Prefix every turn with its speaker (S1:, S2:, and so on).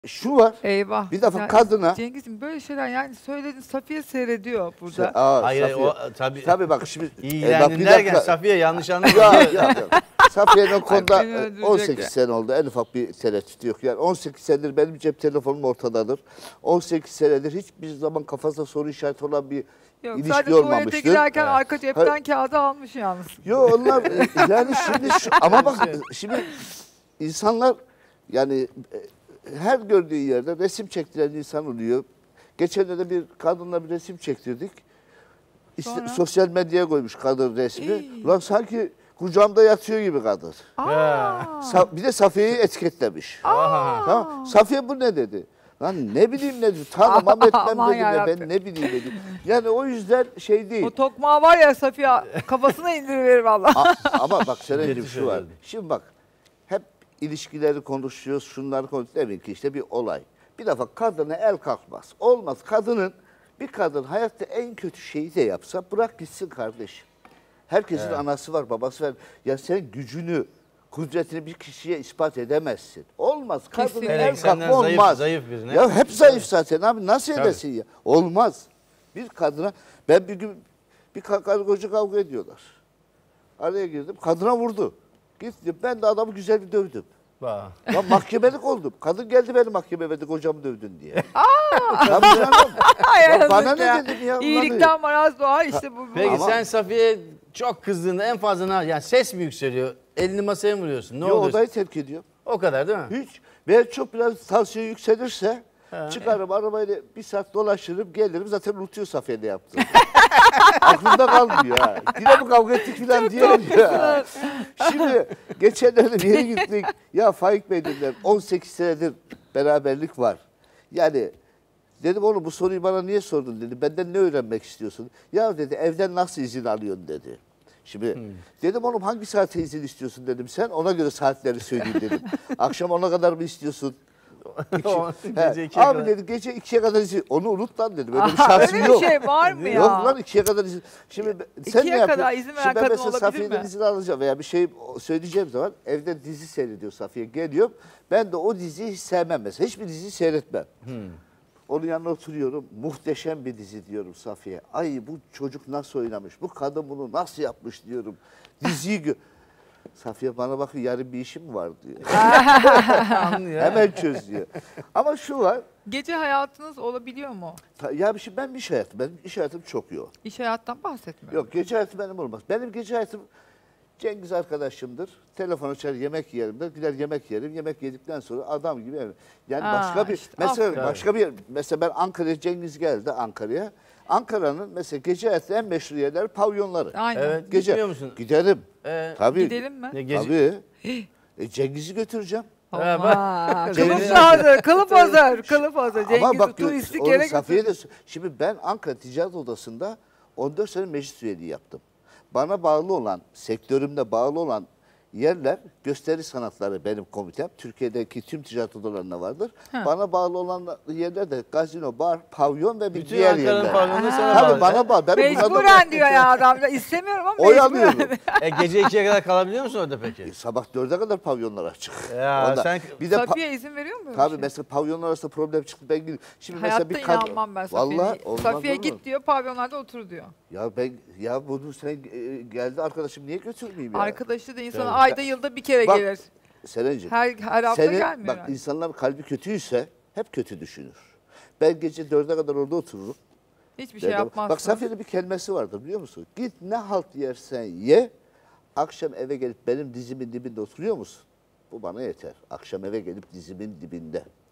S1: Şu var.
S2: Eyvah.
S1: Bir defa
S2: Ya
S1: kadına
S2: Cengiz'im böyle şeyler yani söyledin, Safiye seyrediyor burada.
S3: Hayır,
S1: Safiye.
S3: o tabii.
S1: Tabii bak şimdi bak
S3: İlgilendin
S1: bir
S3: derken
S1: dakika.
S3: Safiye yanlış anlama.
S1: Ya. Safiye'nin o konuda
S2: beni öldürecek
S1: 18
S2: ya.
S1: sene oldu. En ufak bir tereddüt yok. Yani 18 senedir benim cep telefonum ortadadır. 18 senedir hiçbir zaman kafasında soru işareti olan bir
S2: Yok,
S1: ilişki
S2: sadece tuvalete
S1: olmamıştır.
S2: girerken
S3: Evet.
S2: arka cepten kağıdı almış yalnız.
S1: Yo onlar yani şimdi ama bak şimdi insanlar yani her gördüğü yerde resim çektiren insan oluyor. Geçenlerde bir kadınla bir resim çektirdik.
S2: Sonra?
S1: Sosyal medyaya koymuş kadın resmi.
S2: İyi.
S1: Lan sanki kucağımda yatıyor gibi kadın. Bir de Safiye'yi etiketlemiş. Tamam. Safiye bu ne dedi? Lan ne bileyim ne dedi. Tanımam etmem
S2: Aman
S1: dedim ya
S2: yarabbim.
S1: ben ne bileyim dedim. Yani o yüzden şey değil.
S2: O tokmağı var ya Safiye kafasına indiriverir valla.
S1: Ama bak Seren'cim
S3: Kötü
S1: şu var.
S3: söyledi.
S1: Şimdi bak hep ilişkileri konuşuyoruz, şunları konuşuyoruz. Demek ki işte bir olay. Bir defa kadına el kalkmaz. Olmaz. Bir kadın hayatta en kötü şeyi de yapsa bırak gitsin kardeşim. Herkesin anası var, babası var. Ya sen gücünü, kudretini bir kişiye ispat edemezsin. Olmaz. Kadına
S2: Kesinlikle.
S1: el
S3: Senden
S1: kalkma olmaz.
S3: zayıf birine.
S1: Ya hep zayıf zaten abi. Nasıl
S3: Tabii.
S1: edesin ya? Olmaz. Bir kadına, ben bir gün bir karı koca kavga ediyorlar. Araya girdim. Kadına vurdu. Gittim. Ben de adamı güzel bir dövdüm.
S3: Bak.
S1: Lan mahkemelik oldum. Kadın geldi beni mahkemeye verdi kocamı dövdün diye. Tabii canım. Ya bana ne dedim ya? Ulan
S2: İyilikten maraz doğar işte bu.
S3: Peki
S1: Ama-
S3: sen Safiye çok kızdığında en fazla yani ses mi yükseliyor? Elini masaya mı vuruyorsun? Ne
S1: Yo,
S3: oluyor?
S1: odayı terk ediyor.
S3: O kadar değil mi?
S1: Hiç. Ve çok biraz tansiyon yükselirse çıkarım arabayla bir saat dolaşırım gelirim zaten unutuyor Safiye ne yaptı. Aklımda kalmıyor ha. Yine mi kavga ettik falan diyorum ya. Şimdi geçenlerde bir yere gittik. Ya Faik Bey dediler 18 senedir beraberlik var. Yani dedim oğlum bu soruyu bana niye sordun dedi. Benden ne öğrenmek istiyorsun? Ya dedi evden nasıl izin alıyorsun dedi. Şimdi dedim oğlum hangi saate izin istiyorsun dedim. Sen ona göre saatleri söyleyeyim dedim. Akşam 10'a kadar mı istiyorsun?
S3: Gece 2'ye
S1: Abi
S3: kadar.
S1: dedi gece 2'ye kadar izin. Onu unut lan dedim. Öyle bir şansın
S2: Öyle bir
S1: yok.
S2: şey var mı ya?
S1: Yok lan 2'ye kadar izin. Şimdi sen
S2: 2'ye
S1: ne yapıyorsun?
S2: kadar izin veren
S1: Şimdi ben
S2: kadın
S1: mesela
S2: olabilir
S1: Safiye'den
S2: mi?
S1: izin alacağım veya bir şey söyleyeceğim zaman evde dizi seyrediyor Safiye. Geliyorum. Ben de o diziyi hiç sevmem mesela. Hiçbir diziyi seyretmem. Onun yanına oturuyorum. Muhteşem bir dizi diyorum Safiye. Ay bu çocuk nasıl oynamış? Bu kadın bunu nasıl yapmış diyorum. Diziyi Safiye bana bakıyor yarın bir işim mi var diyor.
S3: Anlıyor.
S1: Hemen çöz diyor. Ama şu var.
S2: Gece hayatınız olabiliyor mu?
S1: Ya şimdi ben benim iş hayatım çok yoğun.
S2: İş hayattan bahsetmiyorum.
S1: Yok gece hayatı benim olmaz. Benim gece hayatım Cengiz arkadaşımdır. Telefon açar yemek yerim der. Gider yemek yerim. Yemek yedikten sonra adam gibi evim. Yani başka bir
S2: işte,
S1: mesela
S2: aferin.
S1: başka bir mesela ben Ankara'ya Cengiz geldi Ankara'ya. Ankara'nın mesela gece hayatı en meşhur yerler pavyonları.
S2: Aynen.
S3: Evet.
S1: Gece
S3: Gitmiyor musun?
S1: giderim. Tabii.
S2: Gidelim mi?
S3: Ne gece?
S1: Tabii. Cengiz'i götüreceğim.
S2: Aman.
S3: Cengiz-
S2: Kılıf hazır, kılıf hazır, kılıf hazır.
S1: Ama bak
S2: Cengiz'i turistik
S1: onu
S2: yere
S1: Safiye
S2: götürdü.
S1: de şimdi ben Ankara Ticaret Odası'nda 14 sene meclis üyeliği yaptım. Bana bağlı olan, sektörümde bağlı olan yerler gösteri sanatları benim komitem. Türkiye'deki tüm ticaret odalarında vardır. Bana bağlı olan yerler de gazino, bar, pavyon ve bir
S3: Bütün
S1: diğer
S3: Ankara'nın
S1: yerler.
S3: pavyonları sana
S1: Tabii
S3: bağlı.
S1: bana bağlı. Benim bunlardan-
S2: Mecburen diyor ya adam. İstemiyorum ama
S1: Oy
S2: mecburen.
S1: alıyorum.
S3: Gece 2'ye kadar kalabiliyor musun orada peki?
S1: Sabah 4'e kadar pavyonlar açık.
S3: Ya
S1: Ondan.
S3: sen-
S1: bir de
S2: Safiye izin veriyor mu böyle
S1: tabii
S2: bir şey?
S1: mesela pavyonlar arasında problem çıktı ben gidiyorum. Şimdi
S2: Hayatta
S1: mesela bir kadın
S2: inanmam ben Safiye'ye.
S1: Vallahi olmaz
S2: Safiye
S1: olur mu?
S2: git diyor, pavyonlarda otur diyor.
S1: Ya bunu sen geldi arkadaşım niye götürmeyeyim ya?
S2: Arkadaşı da insana
S3: Tabii.
S2: ayda yılda bir kere
S1: Bak,
S2: gelir.
S1: Serenciğim.
S2: Her hafta gelmiyor
S1: bak
S2: yani.
S1: insanların kalbi kötüyse hep kötü düşünür. Ben gece 4'e kadar orada otururum.
S2: Hiçbir şey
S1: Derdim,
S2: yapmazsın.
S1: bak Safiye'nin bir kelimesi vardır biliyor musun? Git ne halt yersen ye. Akşam eve gelip benim dizimin dibinde oturuyor musun? Bu bana yeter. Akşam eve gelip dizimin dibinde.